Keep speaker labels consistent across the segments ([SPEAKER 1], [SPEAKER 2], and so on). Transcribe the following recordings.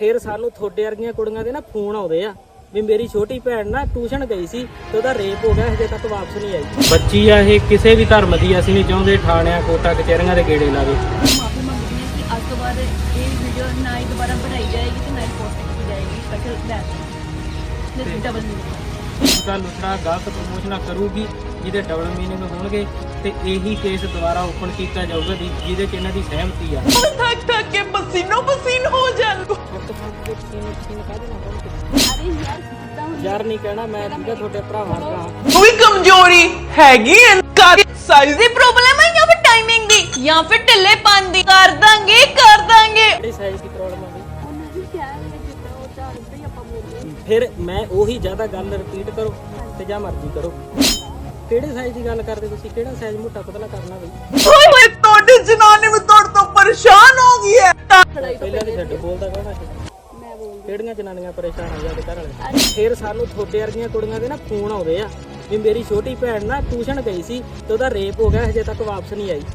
[SPEAKER 1] फिर सानू थोड़े वर्गियां कुड़ियां दे ना फोन आउंदे आ भी मेरी छोटी भैन ना ट्यूशन गई सी ते ओहदा रेप हो गया, हजे तक वापस नहीं आई। बच्ची आ ये किसी भी धर्म दी, ਅਸੀਂ नहीं ਚਾਹੁੰਦੇ ਥਾਣਿਆਂ ਕੋਟਾ ਕਚਹਿਰੀਆਂ ਦੇ ਗੇੜੇ ਲਾਵੇ।
[SPEAKER 2] माफी मंगती है कि आज तो बाद ये वीडियो ना ही दोबारा बनाई जाएगी तो ना ही पोस्ट की जाएगी। स्पेशल दैट डबल मीनिंग
[SPEAKER 1] ਗੱਲ ਉਤਰਾ ਗਲਤ ਪ੍ਰਮੋਸ਼ਨਾਂ ਕਰੂਗੀ ਜਿਹਦੇ ਡਬਲ ਮੀਨਿੰਗ ਹੋਣਗੇ ਤੇ ਇਹੀ ਕੇਸ ਦੁਬਾਰਾ ਓਪਨ ਕੀਤਾ ਜਾਊਗਾ ਜਿਹਦੇ ਚ ਇਹਨਾਂ ਦੀ ਸਹਿਮਤੀ ਆ।
[SPEAKER 3] थक थक के पसीनो पसीन हो जाए।
[SPEAKER 2] अरे यार कितना
[SPEAKER 1] ਯਾਰ ਨਹੀਂ ਕਹਿਣਾ, ਮੈਂ ਠੀਕਾ ਤੁਹਾਡੇ ਭਰਾਵਾਂ ਦਾ।
[SPEAKER 3] कोई कमजोरी हैगी साइज दी प्रॉब्लम है या फिर टाइमिंग दी या फिर ढिल्लेपन दी? कर दांगे
[SPEAKER 1] ਕਿਹੜੀ ਸਾਈਜ਼ ਦੀ ਪ੍ਰੋਬਲਮ ਆ ਬਈ?
[SPEAKER 2] ਉਹਨਾਂ ਦੀ ਕਿਆ ਹੈ ਜਿੱਦਾਂ ਉਹ ਚਾਹਦੇ ਹੀ ਆਪਾਂ ਬੋਲਦੇ
[SPEAKER 1] ਫਿਰ ਮੈਂ ਉਹੀ ਜ਼ਿਆਦਾ ਗੱਲ ਰਿਪੀਟ ਕਰੋ ਤੇ ਜਾਂ ਮਰਜ਼ੀ ਕਰੋ। ਕਿਹੜੇ ਸਾਈਜ਼ ਦੀ ਗੱਲ ਕਰਦੇ ਤੁਸੀਂ? ਕਿਹੜਾ ਸਾਈਜ਼ ਮੋਟਾ ਪਤਲਾ ਕਰਨਾ ਬਈ?
[SPEAKER 3] ओए होए तोड़े जनाने में तोड़ तो परेशान हो गई है।
[SPEAKER 1] ਪਹਿਲਾਂ ਦੀ ਛੱਡ, ਬੋਲਦਾ ਕਹਣਾ
[SPEAKER 2] ਮੈਂ ਬੋਲਦੀ
[SPEAKER 1] ਕਿਹੜੀਆਂ ਜਨਾਨੀਆਂ ਪਰੇਸ਼ਾਨ ਹੋ ਜਾਂਦੇ ਘਰ ਵਾਲੇ। ਫਿਰ ਸਾਨੂੰ ਥੋੜੇ ਵਰਗੀਆਂ ਕੁੜੀਆਂ ਦੇ ਨਾ ਫੋਨ ਆਉਂਦੇ ਆ ਵੀ ਮੇਰੀ ਛੋਟੀ ਭੈਣ ਨਾ ਟਿਊਸ਼ਨ ਗਈ ਸੀ ਤੇ ਉਹਦਾ ਰੇਪ ਹੋ ਗਿਆ, ਹਜੇ ਤੱਕ ਵਾਪਸ ਨਹੀਂ ਆਈ।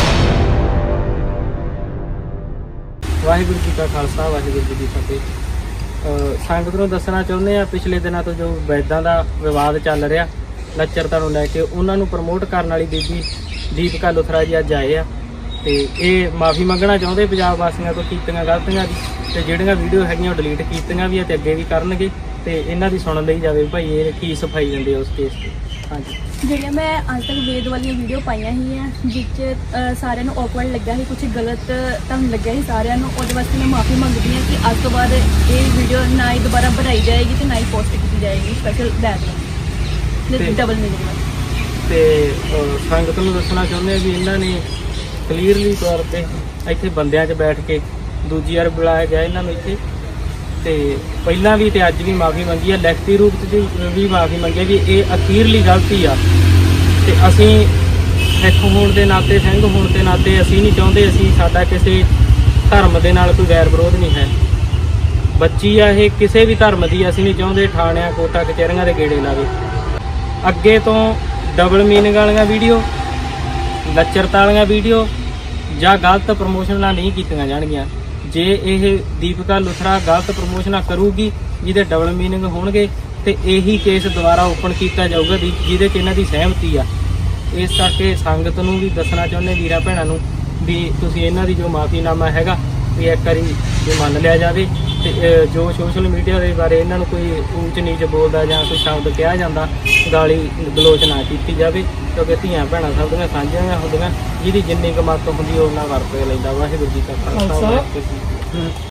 [SPEAKER 1] ਵਾਹਿਗੁਰੂ ਜੀ ਕਾ ਖਾਲਸਾ, ਵਾਹਿਗੁਰੂ ਜੀ ਕੀ ਫਤਿਹ। ਸੰਗਤ ਨੂੰ ਦੱਸਣਾ ਚਾਹੁੰਦੇ ਆ, ਪਿਛਲੇ ਦਿਨਾਂ ਤੋਂ ਜੋ ਵੈਦਾਂ ਦਾ ਵਿਵਾਦ ਚੱਲ ਰਿਹਾ ਲੱਚਰਤਾ ਨੂੰ ਲੈ ਕੇ, ਉਹਨਾਂ ਨੂੰ ਪ੍ਰਮੋਟ ਕਰਨ ਵਾਲੀ ਬੀਬੀ ਦੀਪਕਾ ਲੁਥਰਾ ਜੀ ਅੱਜ ਆਏ ਆ ਤੇ ਇਹ ਮਾਫੀ ਮੰਗਣਾ ਚਾਹੁੰਦੇ ਪੰਜਾਬ ਵਾਸੀਆਂ ਤੋਂ ਕੀਤੀਆਂ ਗਲਤੀਆਂ ਦੀ, ਤੇ ਜਿਹੜੀਆਂ ਵੀਡੀਓ ਹੈਗੀਆਂ ਉਹ ਡਿਲੀਟ ਕੀਤੀਆਂ ਵੀ ਆ ਤੇ ਅੱਗੇ ਵੀ ਕਰਨਗੇ, ਤੇ ਇਹਨਾਂ ਦੀ ਸੁਣ ਲਈ ਜਾਵੇ ਭਾਈ ਇਹ ਕੀ ਸਫਾਈ ਦਿੰਦੇ ਉਸ ਕੇਸ ਤੇ। ਹਾਂਜੀ,
[SPEAKER 2] ਜਿਹੜੀਆਂ ਮੈਂ ਅੱਜ ਤੱਕ ਵੇਦ ਵਾਲੀਆਂ ਵੀਡੀਓ ਪਾਈਆਂ ਹੀ ਆ ਜਿਸ 'ਚ ਸਾਰਿਆਂ ਨੂੰ ਔਕਵਰਡ ਲੱਗਾ ਸੀ, ਕੁਝ ਗਲਤ ਤੁਹਾਨੂੰ ਲੱਗਿਆ ਸੀ ਸਾਰਿਆਂ ਨੂੰ, ਉਹਦੇ ਵਾਸਤੇ ਮੈਂ ਮਾਫੀ ਮੰਗਦੀ ਹਾਂ ਕਿ ਅੱਜ ਤੋਂ ਬਾਅਦ ਇਹ ਵੀਡੀਓ ਨਾ ਹੀ ਦੁਬਾਰਾ ਬਣਾਈ ਜਾਏਗੀ ਤੇ ਨਾ ਹੀ ਪੋਸਟ ਕੀਤੀ ਜਾਏਗੀ। ਸਪੈਸ਼ਲ दैट डबल मीनिंग
[SPEAKER 1] ਤੇ ਸੰਗਤ ਨੂੰ ਦੱਸਣਾ ਚਾਹੁੰਦੇ ਆ ਵੀ ਇਹਨਾਂ ਨੇ ਕਲੀਅਰਲੀ ਤੌਰ ਤੇ ਇੱਥੇ ਬੰਦਿਆਂ 'ਚ ਬੈਠ ਕੇ ਦੂਜੀ ਵਾਰ ਬੁਲਾਇਆ ਗਿਆ ਇਹਨਾਂ ਨੂੰ ਇੱਥੇ, ਤੇ ਪਹਿਲਾਂ ਵੀ ਤੇ ਅੱਜ ਵੀ ਮਾਫੀ ਮੰਗੀ ਆ, ਲਿਖਤੀ ਰੂਪ 'ਚ ਵੀ ਮਾਫੀ ਮੰਗੀ ਆ ਵੀ ਇਹ ਅਖੀਰਲੀ ਗਲਤੀ ਆ, ਤੇ ਅਸੀਂ ਸਿੱਖ ਹੋਣ ਦੇ ਨਾਤੇ, ਸਿੰਘ ਹੋਣ ਦੇ ਨਾਤੇ ਅਸੀਂ ਨਹੀਂ ਚਾਹੁੰਦੇ, ਅਸੀਂ ਸਾਡਾ ਕਿਸੇ ਧਰਮ ਦੇ ਨਾਲ ਕੋਈ ਵੈਰ ਵਿਰੋਧ ਨਹੀਂ ਹੈ। ਬੱਚੀ ਆ ਇਹ ਕਿਸੇ ਵੀ ਧਰਮ ਦੀ, ਅਸੀਂ ਨਹੀਂ ਚਾਹੁੰਦੇ ਥਾਣਿਆਂ ਕੋਟਾ ਕਚਹਿਰੀਆਂ ਦੇ ਗੇੜੇ ਲਾਵੇ। ਅੱਗੇ ਤੋਂ ਡਬਲ ਮੀਨਿੰਗ ਵਾਲੀਆਂ ਵੀਡੀਓ, ਲੱਚਰਤਾ ਵਾਲੀਆਂ ਵੀਡੀਓ ਜਾਂ ਗਲਤ ਪ੍ਰਮੋਸ਼ਨਾਂ ਨਹੀਂ ਕੀਤੀਆਂ ਜਾਣਗੀਆਂ। ਜੇ ਇਹ ਦੀਪਕਾ ਲੁਥਰਾ ਗਲਤ ਪ੍ਰਮੋਸ਼ਨਾਂ ਕਰੂਗੀ ਜਿਹਦੇ ਡਬਲ ਮੀਨਿੰਗ ਹੋਣਗੇ ਤੇ ਇਹੀ ਕੇਸ ਦੁਬਾਰਾ ਓਪਨ ਕੀਤਾ ਜਾਊਗਾ ਜਿਹਦੇ 'ਚ ਇਹਨਾਂ ਦੀ ਸਹਿਮਤੀ ਆ। ਇਸ ਕਰਕੇ ਸੰਗਤ ਨੂੰ ਵੀ ਦੱਸਣਾ ਚਾਹੁੰਦੇ ਵੀਰਾਂ ਭੈਣਾਂ ਨੂੰ ਵੀ ਤੁਸੀਂ ਇਹਨਾਂ ਦੀ ਜੋ ਮਾਫੀਨਾਮਾ ਹੈਗਾ ਵੀ ਇੱਕ ਵਾਰੀ ਜੇ ਮੰਨ ਲਿਆ ਜਾਵੇ, ਤੇ ਜੋ ਸੋਸ਼ਲ ਮੀਡੀਆ ਦੇ ਬਾਰੇ ਇਹਨਾਂ ਨੂੰ ਕੋਈ ਊਚ ਨੀਚ ਬੋਲਦਾ ਜਾਂ ਕੋਈ ਸ਼ਬਦ ਕਿਹਾ ਜਾਂਦਾ, ਗਾਲੀ ਗਲੋਚ ਨਾ ਕੀਤੀ ਜਾਵੇ, ਕਿਉਂਕਿ ਧੀਆਂ ਭੈਣਾਂ ਸਭ ਦੀਆਂ ਸਾਂਝੀਆਂ ਹੁੰਦੀਆਂ, ਜਿਹਦੀ ਜਿੰਨੀ ਕੁ ਮੱਤ ਹੁੰਦੀ ਉਹ ਉਹਨਾਂ ਵਰਤ ਲੈਂਦਾ। ਵਾਹਿਗੁਰੂ ਜੀ ਕਾ ਖਾਲਸਾ, ਵਾਹਿਗੁਰੂ ਜੀ ਕੀ ਫਤਿਹ।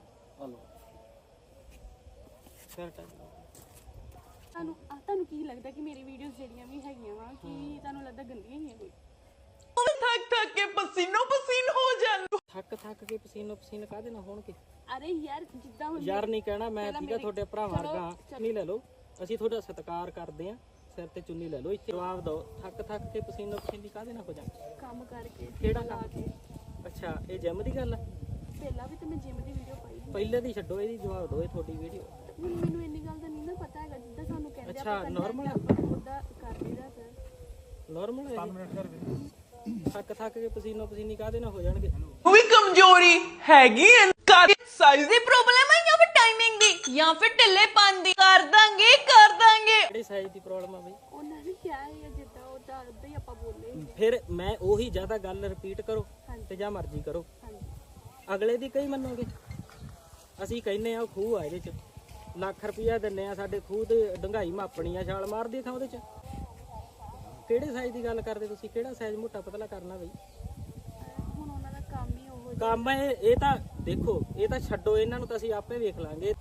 [SPEAKER 2] ਤੁਹਾਨੂੰ ਕੀ ਲੱਗਦਾ ਕਿ ਮੇਰੀ ਵੀਡੀਓਜ਼ ਜਿਹੜੀਆਂ ਵੀ ਹੈਗੀਆਂ ਵਾ ਕਿ ਤੁਹਾਨੂੰ ਲੱਗਦਾ ਗੰਦੀਆਂ ਹੀ ਆ ਕੋਈ?
[SPEAKER 3] थक थक के पसीनो पसीन हो जाए।
[SPEAKER 1] ਥੱਕ ਕੇ ਪਸੀਨੋ ਪਸੀਨ ਕਾਹਦੇ ਨਾਲ ਹੋਣਗੇ?
[SPEAKER 2] ਅਰੇ ਯਾਰ ਜਿੱਦਾਂ ਹੁਣ
[SPEAKER 1] ਯਾਰ ਨਹੀਂ ਕਹਿਣਾ, ਮੈਂ ਠੀਕਾ ਤੁਹਾਡੇ ਭਰਾਵਾਂ ਵਰਗਾ। ਚੁੰਨੀ ਲੈ ਲਓ, ਅਸੀਂ ਤੁਹਾਡਾ ਸਤਿਕਾਰ ਕਰਦੇ ਆ, ਸਿਰ ਤੇ ਚੁੰਨੀ ਲੈ ਲਓ, ਇੱਥੇ ਜਵਾਬ ਦਿਓ। ਥੱਕ ਕੇ ਪਸੀਨੋ ਪਸੀਨੀ ਕਾਹਦੇ ਨਾਲ ਹੋ ਜਾ?
[SPEAKER 2] ਕੰਮ ਕਰਕੇ
[SPEAKER 1] ਕਿਹੜਾ ਕੰਮ? ਅੱਛਾ, ਇਹ ਜਿਮ ਦੀ ਗੱਲ ਆ?
[SPEAKER 2] ਪਹਿਲਾਂ ਵੀ ਤੇ ਮੈਂ ਜਿਮ ਦੀ ਵੀਡੀਓ ਪਾਈ ਸੀ।
[SPEAKER 1] ਪਹਿਲੇ ਦੀ ਛੱਡੋ, ਇਹਦੀ ਜਵਾਬ ਦਿਓ, ਇਹ ਤੁਹਾਡੀ ਵੀਡੀਓ।
[SPEAKER 2] ਹੁਣ ਮੈਨੂੰ ਇੰਨੀ ਗੱਲ ਦਾ ਨਹੀਂ ਨਾ ਪਤਾ ਹੈਗਾ, ਜਿੱਦਾਂ ਸਾਨੂੰ ਕਹਿੰਦੇ
[SPEAKER 1] ਅੱਛਾ, ਨਾਰਮਲ ਆ?
[SPEAKER 2] ਉਹਦਾ ਕਰ ਲਈਦਾ ਸਰ।
[SPEAKER 1] ਨਾਰਮਲ ਹੈ? 5 ਮਿੰਟ ਕਰ ਥੱਕ ਕੇ ਪਸੀਨੋ ਪਸੀਨੀ ਕਾਹਦੇ ਨਾਲ ਹੋ ਜਾਣਗੇ?
[SPEAKER 3] कोई कमजोरी हैगी साइज दी प्रॉब्लम है या फिर टाइमिंग दी या फिर ढिल्लेपन दी? कर दांगे
[SPEAKER 1] ਕਿਹੜੀ ਸਾਈਜ਼ ਦੀ ਪ੍ਰੋਬਲਮ ਆ ਬਈ?
[SPEAKER 2] ਉਹਨਾਂ ਨੇ ਕਿਹਾ ਹੈ ਜਿੱਦਾਂ ਉਹ ਚਾਹਦੇ ਹੀ ਆਪਾਂ ਬੋਲੇ।
[SPEAKER 1] ਫਿਰ ਮੈਂ ਉਹੀ ਜ਼ਿਆਦਾ ਗੱਲ ਰਿਪੀਟ ਕਰੋ ਤੇ ਜਾਂ ਮਰਜ਼ੀ ਕਰੋ, ਅਗਲੇ ਦੀ ਕਈ ਮੰਨੋਗੇ? ਅਸੀਂ ਕਹਿੰਨੇ ਆ ਖੂਹ ਆ, ਇਹਦੇ 'ਚ ਲੱਖ ਰੁਪਇਆ ਦਿੰਨੇ ਆ, ਸਾਡੇ ਖੂਹ ਤੇ ਡੰਗਾਈ ਮਾਪਣੀ ਆ, ਛਾਲ ਮਾਰਦੀ ਥਾਂ ਉਹਦੇ 'ਚ। ਕਿਹੜੇ ਸਾਈਜ਼ ਦੀ ਗੱਲ ਕਰਦੇ ਤੁਸੀਂ? ਕਿਹੜਾ ਸਾਈਜ਼ ਮੋਟਾ ਪਤਲਾ ਕਰਨਾ ਬਈ?
[SPEAKER 2] ਹੁਣ ਉਹਨਾਂ ਦਾ ਕੰਮ ਹੀ ਉਹ
[SPEAKER 1] ਕੰਮ ਇਹ ਤਾਂ ਦੇਖੋ, ਇਹ ਤਾਂ ਛੱਡੋ, ਇਹਨਾਂ ਨੂੰ ਤਾਂ ਅਸੀਂ ਆਪੇ ਵੇਖ ਲਾਂਗੇ।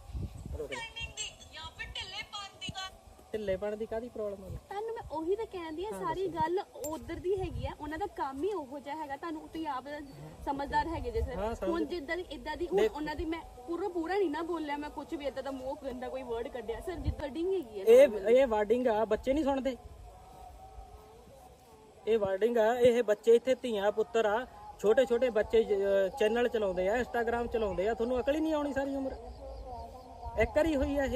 [SPEAKER 1] ਢਿੱਲੇਪਣ ਦੀ ਕਾਹਦੀ ਪ੍ਰੋਬਲਮ ਹੈ?
[SPEAKER 2] ਤੁਹਾਨੂੰ ਮੈਂ ਉਹੀ ਤਾਂ ਕਹਿੰਦੀ ਆ, ਸਾਰੀ ਗੱਲ ਉਧਰ ਦੀ ਹੈਗੀ ਆ, ਉਹਨਾਂ ਦਾ ਕੰਮ ਹੀ ਉਹੋ ਜਿਹਾ ਹੈਗਾ। ਤੁਹਾਨੂੰ ਤੁਸੀਂ ਆਪ ਸਮਝਦਾਰ ਹੈਗੇ ਜੇ ਸਰ। ਹੁਣ ਜਿੱਦਾਂ ਦੀ ਇਦਾਂ ਦੀ ਹੁਣ ਉਹਨਾਂ ਦੀ ਮੈਂ ਪੂਰਾ ਨਹੀਂ ਨਾ ਬੋਲਿਆ, ਮੈਂ ਕੁਝ ਵੀ ਇਦਾਂ ਦਾ ਮੂੰਹ ਗੰਦਾ ਕੋਈ ਵਰਡ ਕੱਢਿਆ ਸਰ, ਜਿੱਦਾਂ ਡਿੰਗ ਹੈਗੀ ਆ।
[SPEAKER 1] ਇਹ ਵਾਰਡਿੰਗ ਆ, ਬੱਚੇ ਨਹੀਂ ਸੁਣਦੇ। ਇਹ ਵਾਰਡਿੰਗ ਆ, ਇਹ ਬੱਚੇ ਇੱਥੇ ਧੀਆਂ ਪੁੱਤਰ ਆ, ਛੋਟੇ ਛੋਟੇ ਬੱਚੇ ਚੈਨਲ ਚਲਾਉਂਦੇ ਆ, ਇੰਸਟਾਗ੍ਰਾਮ ਚਲਾਉਂਦੇ ਆ, ਤੁਹਾਨੂੰ ਅਕਲ ਹੀ ਨਹੀਂ ਆਉਣੀ ਸਾਰੀ ਉਮਰ? ਇੱਕ ਵਾਰੀ ਹੋਈ ਆ ਇਹ।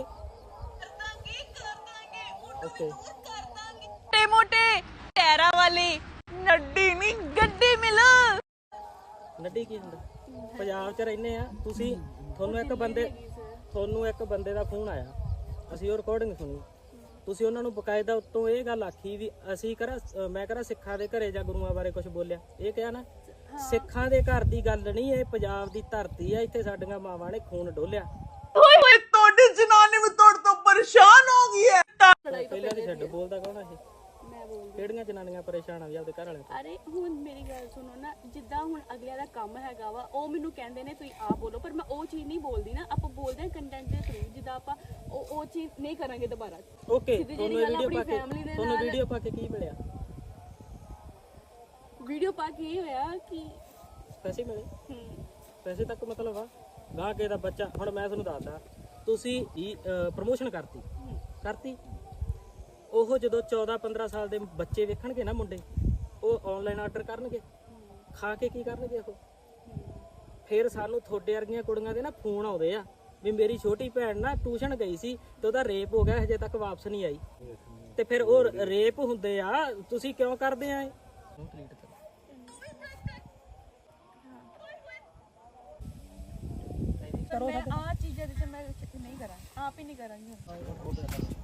[SPEAKER 1] ਓਕੇ,
[SPEAKER 3] मोटे टैरा वाली नड्डी नहीं गड्डी मिल।
[SPEAKER 1] ਨੱਡੀ ਕੀ ਹੁੰਦਾ? ਪੰਜਾਬ 'ਚ ਰਹਿੰਦੇ ਆ ਤੁਸੀਂ, ਤੁਹਾਨੂੰ ਇੱਕ ਬੰਦੇ ਤੁਹਾਨੂੰ ਇੱਕ ਬੰਦੇ ਦਾ ਫੋਨ ਆਇਆ, ਅਸੀਂ ਉਹ ਰਿਕਾਰਡਿੰਗ ਸੁਣੀ, ਤੁਸੀਂ ਉਹਨਾਂ ਨੂੰ ਬਕਾਇਦਾ ਉੱਤੋਂ ਇਹ ਗੱਲ ਆਖੀ ਵੀ ਅਸੀਂ ਮੈਂ ਕਰਾਂ ਸਿੱਖਾਂ ਦੇ ਘਰੇ ਜਾਂ ਗੁਰੂਆਂ ਬਾਰੇ ਕੁਝ ਬੋਲਿਆ, ਇਹ ਕਿਹਾ ਨਾ। ਸਿੱਖਾਂ ਦੇ ਘਰ ਦੀ ਗੱਲ ਨਹੀਂ, ਇਹ ਪੰਜਾਬ ਦੀ ਧਰਤੀ ਆ, ਇੱਥੇ ਸਾਡੀਆਂ ਮਾਵਾਂ ਨੇ ਖੂਨ ਡੋਲਿਆ।
[SPEAKER 3] ਓਏ ਹੋਏ ਤੁਹਾਡੀ ਜਨਾਨੀ ਵੀ ਤੁਹਾਡੇ ਤੋਂ ਪਰੇਸ਼ਾਨ ਹੋ ਗਈ ਹੈ।
[SPEAKER 1] ਪਹਿਲਾਂ ਦੀ ਛੱਡ, ਬੋਲਦਾ ਕੌਣ ਆ ਇਹ?
[SPEAKER 2] ਮੈਂ ਬੋਲਦੀ।
[SPEAKER 1] ਕਿਹੜੀਆਂ ਜਨਾਨੀਆਂ ਪਰੇਸ਼ਾਨ ਆ ਵੀ ਆਪਦੇ ਘਰ ਵਾਲੇ ਤੋਂ?
[SPEAKER 2] ਅਰੇ ਹੁਣ ਮੇਰੀ ਗੱਲ ਸੁਣੋ ਨਾ, ਜਿੱਦਾਂ ਹੁਣ ਅਗਲਿਆਂ ਦਾ ਕੰਮ ਹੈਗਾ ਵਾ, ਉਹ ਮੈਨੂੰ ਕਹਿੰਦੇ ਨੇ ਤੁਸੀਂ ਆਪ ਬੋਲੋ, ਪਰ ਮੈਂ ਉਹ ਚੀਜ਼ ਨਹੀਂ ਬੋਲਦੀ ਨਾ। ਆਪਾਂ ਬੋਲਦੇ ਹਾਂ ਕੰਟੈਂਟ ਦੇ ਥਰੂ, ਜਿੱਦਾਂ ਆਪਾਂ ਉਹ ਚੀਜ਼ ਨਹੀਂ ਕਰਾਂਗੇ ਦੁਬਾਰਾ।
[SPEAKER 1] ਓਕੇ,
[SPEAKER 2] ਸਿੱਧੀ
[SPEAKER 1] ਤੁਹਾਨੂੰ
[SPEAKER 2] ਜਿਹੀ ਗੱਲ
[SPEAKER 1] ਵੀਡੀਓ
[SPEAKER 2] ਆਪਣੀ
[SPEAKER 1] ਪਾ ਕੇ
[SPEAKER 2] family ਦੇ
[SPEAKER 1] ਤੁਹਾਨੂੰ
[SPEAKER 2] ਨਾਲ-
[SPEAKER 1] ਵੀਡੀਓ ਪਾ ਕੇ ਕੀ ਮਿਲਿਆ?
[SPEAKER 2] ਵੀਡੀਓ ਪਾ ਕੇ ਇਹ ਹੋਇਆ ਕਿ
[SPEAKER 1] ਪੈਸੇ ਮਿਲੇ?
[SPEAKER 2] ਹਮ,
[SPEAKER 1] ਪੈਸੇ ਤੱਕ ਮਤਲਬ ਆ ਗਾਹ ਕੇ ਦਾ ਬੱਚਾ। ਹੁਣ ਮੈਂ ਤੁਹਾਨੂੰ ਦੱਸਦਾ, ਤੁਸੀਂ ਪ੍ਰਮੋਸ਼ਨ ਕਰਤੀ, ਉਹ ਜਦੋਂ 14-15 ਸਾਲ ਦੇ ਬੱਚੇ ਵੇਖਣਗੇ ਨਾ ਮੁੰਡੇ, ਉਹ ਆਨਲਾਈਨ ਆਰਡਰ ਕਰਨਗੇ, ਖਾ ਕੇ ਕੀ ਕਰਨਗੇ ਉਹ? ਫਿਰ ਸਾਨੂੰ ਤੁਹਾਡੇ ਵਰਗੀਆਂ ਕੁੜੀਆਂ ਦੇ ਨਾ ਫੋਨ ਆਉਂਦੇ ਆ ਵੀ ਮੇਰੀ ਛੋਟੀ ਭੈਣ ਨਾ ਟਿਊਸ਼ਨ ਗਈ ਸੀ ਤੇ ਉਹਦਾ ਰੇਪ ਹੋ ਗਿਆ, ਹਜੇ ਤੱਕ ਵਾਪਸ ਨਹੀਂ ਆਈ। ਤੇ ਫਿਰ ਉਹ ਰੇਪ ਹੁੰਦੇ ਆ, ਤੁਸੀਂ ਕਿਉਂ ਕਰਦੇ ਆ ਇਹ?
[SPEAKER 2] ਮੈਂ ਆ ਚੀਜ਼ਾਂ ਦੇ ਤੇ ਮੈਂ ਨਹੀਂ ਕਰਾਂ, ਆਪ ਹੀ ਨਹੀਂ ਕਰਾਂਗੀ।